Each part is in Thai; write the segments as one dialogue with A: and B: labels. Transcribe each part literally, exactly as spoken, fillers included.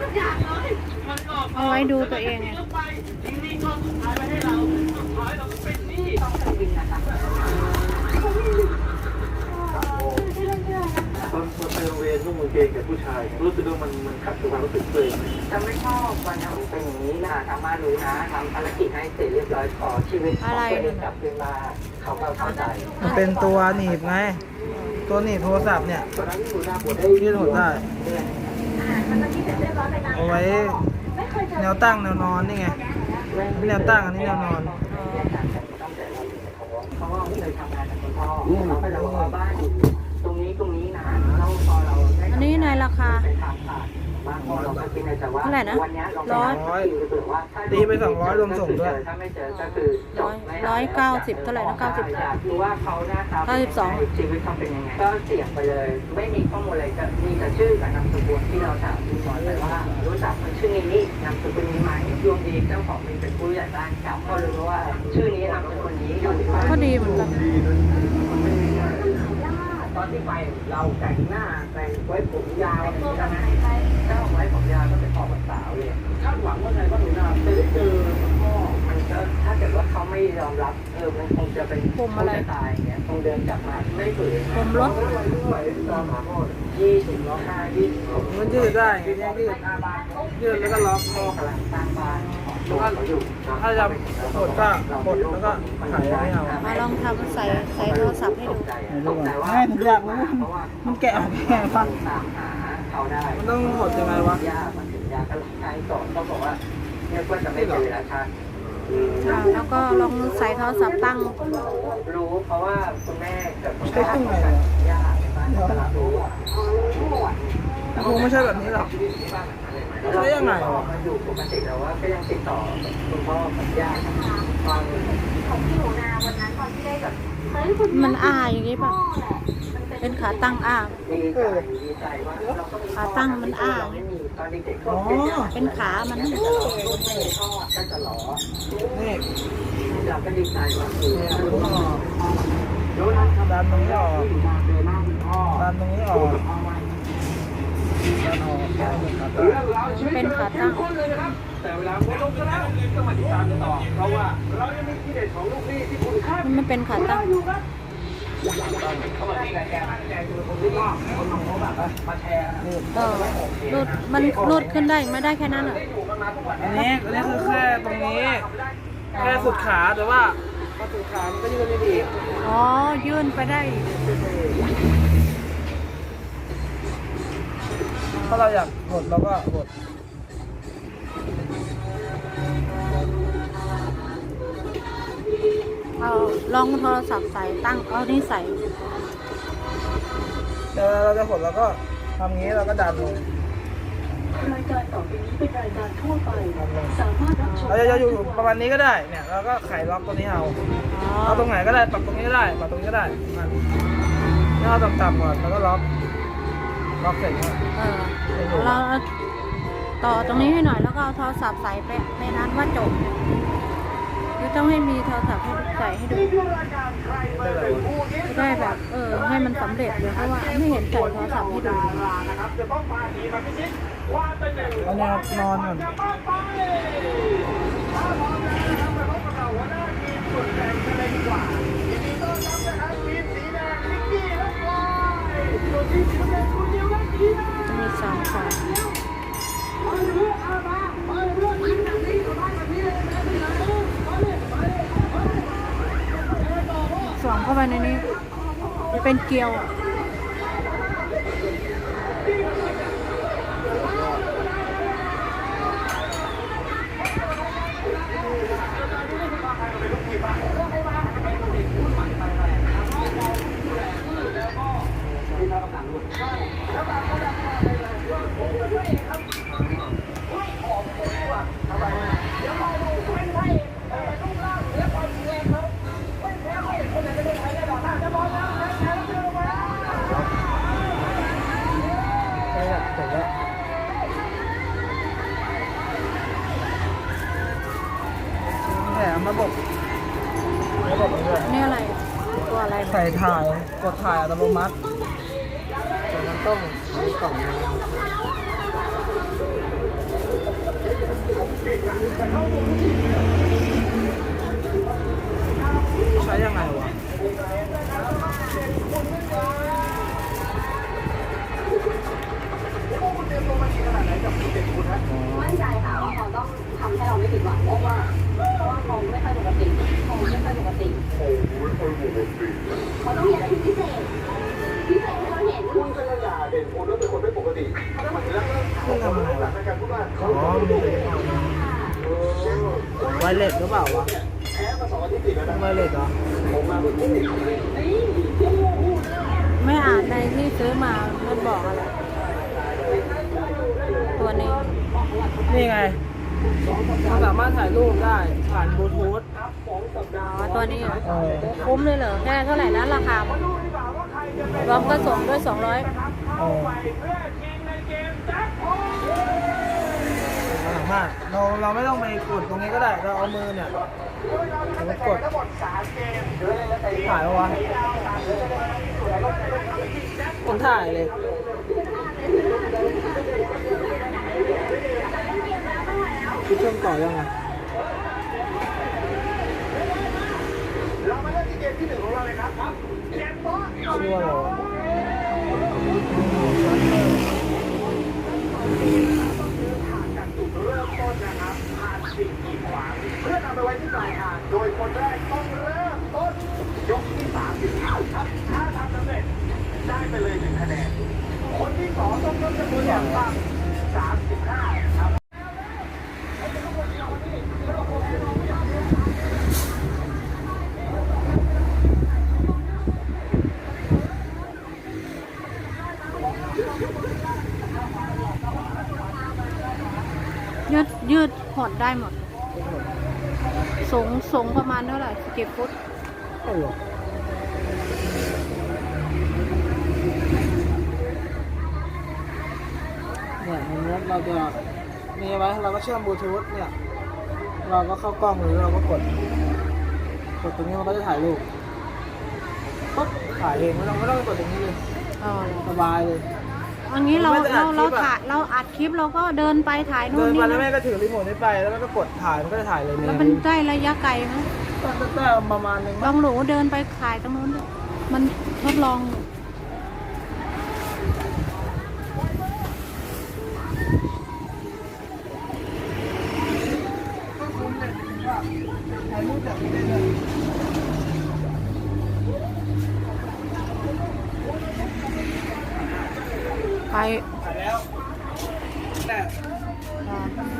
A: เอาไว้ดูตัวเองไง
B: ตอนไปโรงเรียนนุ่งกางเกงกับผู้ชายรู้สึกว่ามันมันขัดกับความรู้สึกตัวเองจะไม่ชอบวันทำเป็นอย่างนี้นะทำมารู้นะทำภารกิจให้เสร็จเรียบร้อยขอชีวิตของตัวเองกลับคืนมาเขาก็เข้าใจ
C: มันเป็นตัวหนีบไงตัวหนีบโทรศัพท์เนี่ยยืดหดได้เอาไว้แนวตั้งแนวนอนนี่ไงแนวตั้งอันนี้แนวนอน
B: เขาว่าเคยทำงานกับคุณพ่อเขาก็จะบอกว่าบ้านอยู่ตรงนี้ตรงนี้นะเราพอเราได้
A: อันนี้ในราคา
B: เท่าไหร่นะ
A: ร้อย
C: ตีไปสองร้อยรวมส่งด้วย
B: ถ้าไม่เจอก็คือจบ
A: ร้อยเก้าสิบเท่าไหร่นะเก้าสิบ
B: รู้ว่าเขาหน้าตาเก้าสิบสองชีวิตเขาเป็นยังไงก็เสี่ยงไปเลยไม่มีข้อมูลอะไรจะมีแต่ชื่อกับนามสกุลที่เราถามคุณหมอเลยว่ารู้จักคนชื่อนี้นามสกุลนี้ไหมดวงดีเจ้าของมีเป็นผู้ใหญ่บ้านเก่าก็รู้ว่าชื่อนี้นามสกุลนี้อยู่ที่บ้าน
A: ก็ดีเหมือนกัน
B: ตอนที่ไปเราแต่งหน้าแต่งไว้ผมยาวอะไรอย่างเงี้ยถ้าไว้ผมยาวก็เป็นออกสาวเลยคาดหวังว่าไงว่าหนูนาจะได้เจอพ่อมันก็ถ้าเกิดว่าเขาไม่ยอมรับเออมันคงจะเป็น
A: ผมอะไร
B: ตายเนี่ยคงเดินกลับมาไม่ฝืน
A: ผมรถ
B: ยี่สิบล้อห้ายี่สิบ
C: มันยืดได้ยืดยืดยืดแล้วก็ล็อกคอกำลังสร้างบ้านถ้าจะกดก็กดแล้วก็ไขไม่เอา
A: มาลองทำใส่ใส่โทรศัพท์ให้ดู
C: ง่ายทุกอย่างเลยมันแกะออกแกะฟังมันต้องกดยังไงวะ
B: ยามันถึงยาก็ใช้ก่อนก็บอกว่าเนี่ยก็จะไม่เป็นเวลาชา
A: แล้วก็ลองใส่โทรศัพท์ตั้ง
B: รู้เพราะว่าคุณแม่กับคุณพ่อยาตลาดรู้
C: คงไม่ใช่แบบนี้หรอกใช้ยังไง
B: มันอยู่ปกติแต่ว่าก็ยังติดต่อคุณพ่อกับย่าตอน
D: ของพี่หนูนาวันนั้นตอนที่ได้แบบ
A: มันอ้าอย่างนี้ป่ะเป็นขาตั้งอ้าขาตั้งมันอ้าเป็นขามันนี่
B: เราก็ดีใจว่า
C: ดันตรงนี้ออกดันตรงนี้ออก
A: เป็นขาตั้ง
B: แต่เวลาโพสต์แล้วก็มาติดตามกันต่อเพราะว่าเรายังมีที่เด็ดของลูกพี่ที่คุณค่า
A: มันเป็นขาตั้ง
B: เขาบอกที่รายการแจกคือคนที่ว่าคนลงเขาแบบมาแชร์
A: เออรูดมันรูดขึ้นได้ไม่ได้แค่นั้นเหรอ
C: อันนี้อันนี้คือแค่ตรงนี้แค่สุดขาแต่ว่าพอสุดขามันก็ยืดไม่ดี
A: อ๋อยื่นไปได้
C: ถ้าเราอยากกดเราก็กด
A: เอาลองโทรศัพท์ใส่ตั้งเอานี่ใส่
C: แต่เราจะกดเราก็ทำงี้เราก็ดันลง
D: รายการต่อไปนี้เป็นรายการทั่วไปสามารถรับชม
C: เราจะอยู่ประมาณนี้ก็ได้เนี่ยเราก็ไขล็อกตัวนี้เอาเอาตรงไหนก็ได้ปรับตรงนี้ก็ได้ปรับตรงนี้ก็ได้มันถ้าเราต่ำๆก่อนเราก็ล็อกล็อกเสร็จ
A: เออเราต่อตรงนี้ให้หน่อยแล้วก็เอาโทรศัพท์ใส่ไปในนั้นว่าจบคือต้องให้มีโทรศัพท์ให้ใส่ให้ดูได้แบบเออให้มันสำเร็จเลยเพราะว่าไม่เห็นใส่โทรศัพท์ให้ดู
C: เอาแนวนอนก่อน
A: จะมีสามสายสวมเข้าไปในนี้เป็นเกลียว
C: ระบบระบบนี้ด้วย
A: นี่อะไรตัวอะไร
C: ใส่ถ่ายกดถ่ายอัตโนมัติแต่มันต้องมีกล่องใช้ยังไงวะ
E: มั่นใจค่ะว่าเขาต้องทำให้เราไม่ผิดหวังเพราะว่าเพราะว่าเขาไม่ค่อยปกติเขาไม่ค่อยปกติเขาต้องมีอะไรที่พิเศษพิเศษให้เราเห็นคุณเป็นอย่าเด่นคุณแล้วเป็นคนไม่ปกติมันจะ
C: คุณทำอะไรวะอ๋อไวเลสหรือเปล่าวะไวเลสเหรอ
A: ไม่อ่านในที่ซื้อมามันบอกอะไร ตัวนี้
C: นี่ไงมันสามารถถ่ายรูปได้ผ่านบลูทูธ
A: อ๋อตัวนี้เหรอ
C: เออ
A: คุ้มเลยเหรอแค่เท่าไหร่นะราคา รวมก็ส่งด้วยสองร้อย
C: เออสามารถเราเราไม่ต้องไปกดตรงนี้ก็ได้ เราเอามือเนี่ยเราไปกดถ่ายวะคนถ่ายเลยคิดเชื่อมต่อยังไงเรามาเล่นที่เกมที่หนึ่งของเราเลยครับเกมบอสชื่อว่าอะไรวะเพื่อนำไปไว้ที่ปลายทางโดยคนแรกต้องเริ่มต้นยกที่สามสิบห้าครับถ้าทำสำเร็จได้ไปเลยหนึ่งคะแนนคนที่สองต้องลดจำนวนอย่างต่ำสามสิบห้าครับ
A: ยืดยืดหดได้หมด สูงสูงประมาณเท่าไหร่กี่ฟุต
C: โอ้โหเนี่ยมันเนี้ยเราจะมีไว้เราก็เชื่อมบลูทูธเนี่ย เราก็เข้ากล้องหรือเราก็กด กดตรงนี้มันก็จะถ่ายรูปปุ๊บถ่ายเองไม่ต้องไม่ต้องไปกดตรงนี้เลย
A: อ๋อ
C: สบายเลย
A: อันนี้เรา
C: ไม่ได้อั
A: เรา
C: ดคลิปอะ
A: เราถ่ายเราอัดคลิปเราก็เดินไปถ่ายนู่
C: เดิ
A: น
C: น
A: นี่
C: มาแล้วแม่
A: นะ
C: ก็ถือรีโมทนี้ไปแล้วมันก็กดถ่ายมันก็จะถ่ายเลย
A: แล้วมันได้ระยะไกลไหม
C: ก็ได้ประมาณนึง
A: ลองหนูเดินไปถ่ายตรงนู้นดิมันทดลอง
C: ถ่ายรูปแบบนี้ได้เลย
A: ไป
C: ถ่ายแล้วแต่
A: อ่า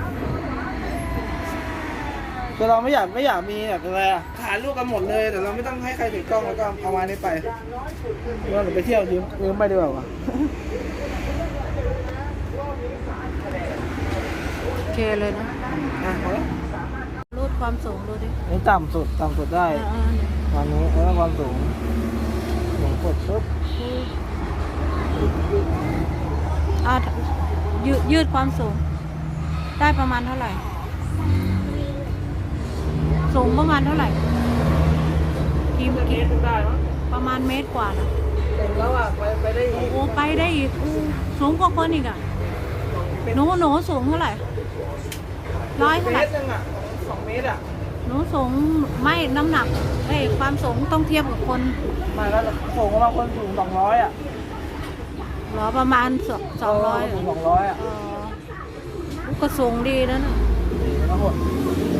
C: คือเราไม่อยากไม่อยากมีแบบอะไรอะถ่ายรูปกันหมดเลยแต่เราไม่ต้องให้ใครถือกล้องแล้วก็เอามานี้ไปเราไปเที่ยวยืมยืมไปดีกว่าวะ
A: โอเคเลยนะ
C: อ่ะพอแล้ว
A: รูดความสูงดูดิ
C: นี่ต่ำสุดต่ำสุดได้
A: เออเออ
C: วันนี้แล้วก็ความสูงสูงกดปุ๊บ
A: อ่ายืดยืดความสูง ได้ประมาณเท่าไหร่ สูงประมาณเท่าไหร่กี่
C: เม
A: กี่
C: ตรได้มั้ง
A: ประมาณเมตรกว่านะ
C: เต็มแล้วอ่ะไปไปได้อีก
A: โอ้ไปได้อีกอู้สูงกว่าคนอีกอ่ะหนูหนูสูงเท่าไหร่ร้อย
C: เม
A: เท่าไหร่
C: ตรนึงอ่ะสองเมตรอ่ะ
A: หนูสูงไม่น้ำหนักเอ้ยความสูงต้องเทียบกับคน
C: มาแล้วสูงประมาณคนสูงสองร้อยอ่ะ
A: เหรอประมาณสองสองร้อย
C: สูงสองร้อยอ่ะ
A: อ๋อก็สูงดีนะน่ะ
C: แล้วหด